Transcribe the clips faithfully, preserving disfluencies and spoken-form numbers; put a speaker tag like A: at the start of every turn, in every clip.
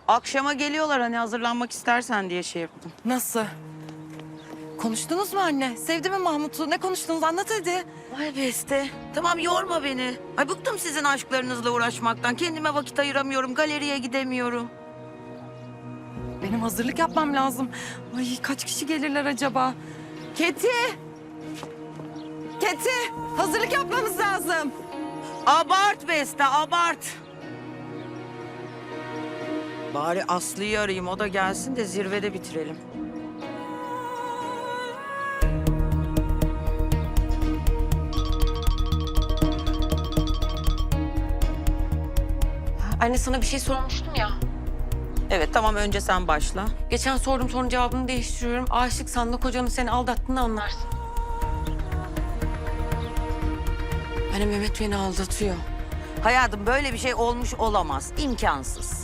A: Akşama geliyorlar hani hazırlanmak istersen diye şey yaptım.
B: Nasıl? Konuştunuz mu anne? Sevdi mi Mahmut'u? Ne konuştunuz? Anlat hadi.
A: Ay Beste, tamam yorma beni. Ay bıktım sizin aşklarınızla uğraşmaktan. Kendime vakit ayıramıyorum, galeriye gidemiyorum.
B: Benim hazırlık yapmam lazım. Ay kaç kişi gelirler acaba? Keti! Keti! Hazırlık yapmamız lazım.
A: Abart Beste, abart. Bari Aslı'yı arayayım, o da gelsin de zirvede bitirelim.
C: Anne sana bir şey sormuştum ya.
A: Evet, tamam önce sen başla.
C: Geçen sordum sorunun cevabını değiştiriyorum. Aşıksan da kocanın seni aldattığını anlarsın. Anne Mehmet beni aldatıyor.
A: Hayatım böyle bir şey olmuş olamaz, imkansız.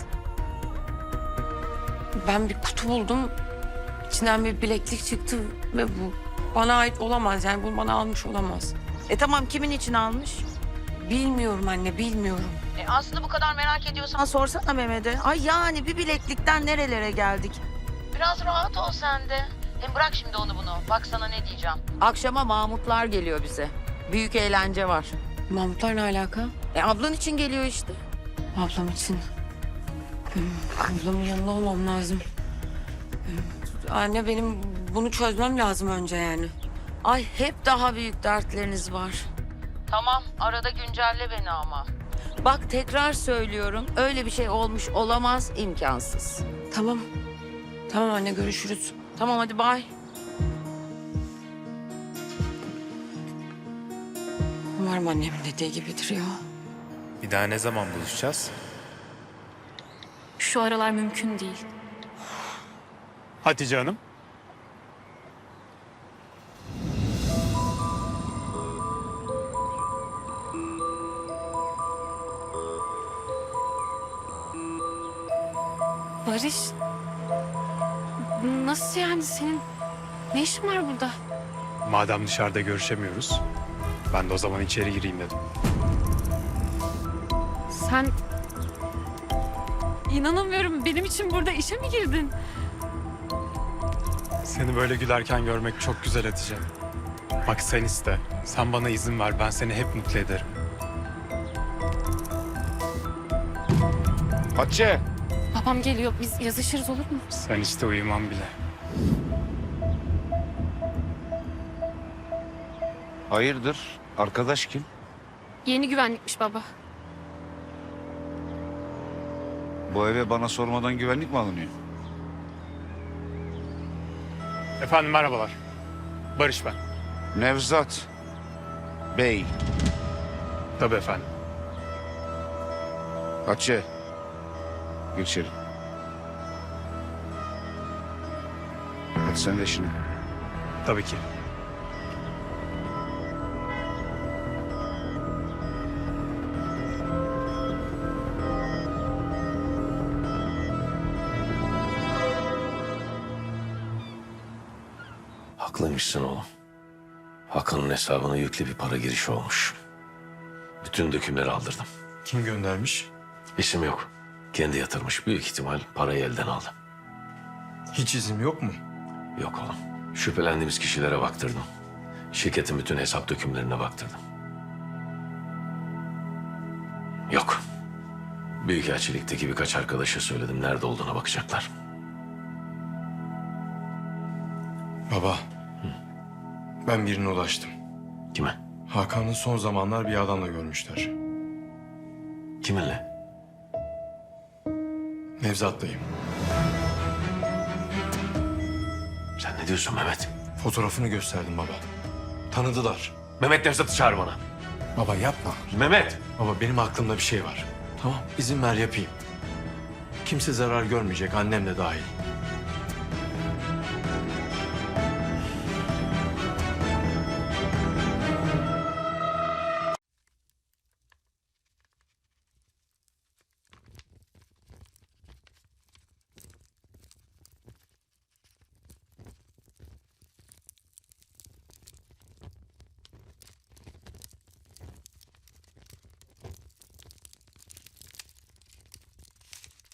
C: Ben bir kutu buldum. İçinden bir bileklik çıktı ve bu bana ait olamaz. Yani bunu bana almış olamaz.
A: E tamam, kimin için almış?
C: Bilmiyorum anne, bilmiyorum.
A: E Aslı bu kadar merak ediyorsan sorsana Mehmet'e. Ay yani bir bileklikten nerelere geldik? Biraz rahat ol sen de. Hem bırak şimdi onu bunu. Bak sana ne diyeceğim. Akşama Mahmutlar geliyor bize. Büyük eğlence var.
C: Mahmutlar ne alaka?
A: E ablan için geliyor işte.
C: Ablam için. Benim ablamın yanında olmam lazım. Anne benim bunu çözmem lazım önce yani.
A: Ay hep daha büyük dertleriniz var. Tamam, arada güncelle beni ama. Bak tekrar söylüyorum, öyle bir şey olmuş olamaz, imkansız.
C: Tamam. Tamam anne görüşürüz.
A: Tamam hadi bay.
C: Umarım annemin dediği gibidir ya.
D: Bir daha ne zaman buluşacağız?
E: Şu aralar mümkün değil.
D: Hatice Hanım.
E: Barış, nasıl yani senin ne işin var burada?
D: Madem dışarıda görüşemiyoruz, ben de o zaman içeri gireyim dedim.
E: Sen inanamıyorum benim için burada işe mi girdin?
D: Seni böyle gülerken görmek çok güzel Hatice. Bak sen iste, sen bana izin ver, ben seni hep mutlu ederim.
F: Hatice.
E: Babam geliyor biz yazışırız olur mu?
D: Sen işte uyumam bile.
F: Hayırdır? Arkadaş kim?
E: Yeni güvenlikmiş baba.
F: Bu eve bana sormadan güvenlik mi alınıyor?
D: Efendim merhabalar. Barış ben.
F: Nevzat Bey.
D: Tabii efendim.
F: Hatice. Gir içeri. Hadi sen de işine.
D: Tabii ki.
G: Haklıymışsın oğlum. Hakan'ın hesabına yüklü bir para girişi olmuş. Bütün dökümleri aldırdım.
D: Kim göndermiş?
G: İsim yok. Kendi yatırmış. Büyük ihtimal parayı elden aldı.
D: Hiç izim yok mu?
G: Yok oğlum. Şüphelendiğimiz kişilere baktırdım. Şirketin bütün hesap dökümlerine baktırdım. Yok. Büyükelçilikteki birkaç arkadaşa söyledim. Nerede olduğuna bakacaklar.
H: Baba, ben birine ulaştım.
G: Kime?
H: Hakan'ı son zamanlar bir adamla görmüşler.
G: Kiminle?
H: Nevzat'layım.
G: Sen ne diyorsun Mehmet?
H: Fotoğrafını gösterdim baba. Tanıdılar.
G: Mehmet Nevzat'ı çağır bana.
H: Baba yapma.
G: Mehmet!
H: Baba benim aklımda bir şey var. Tamam, izin ver yapayım. Kimse zarar görmeyecek, annem de dahil.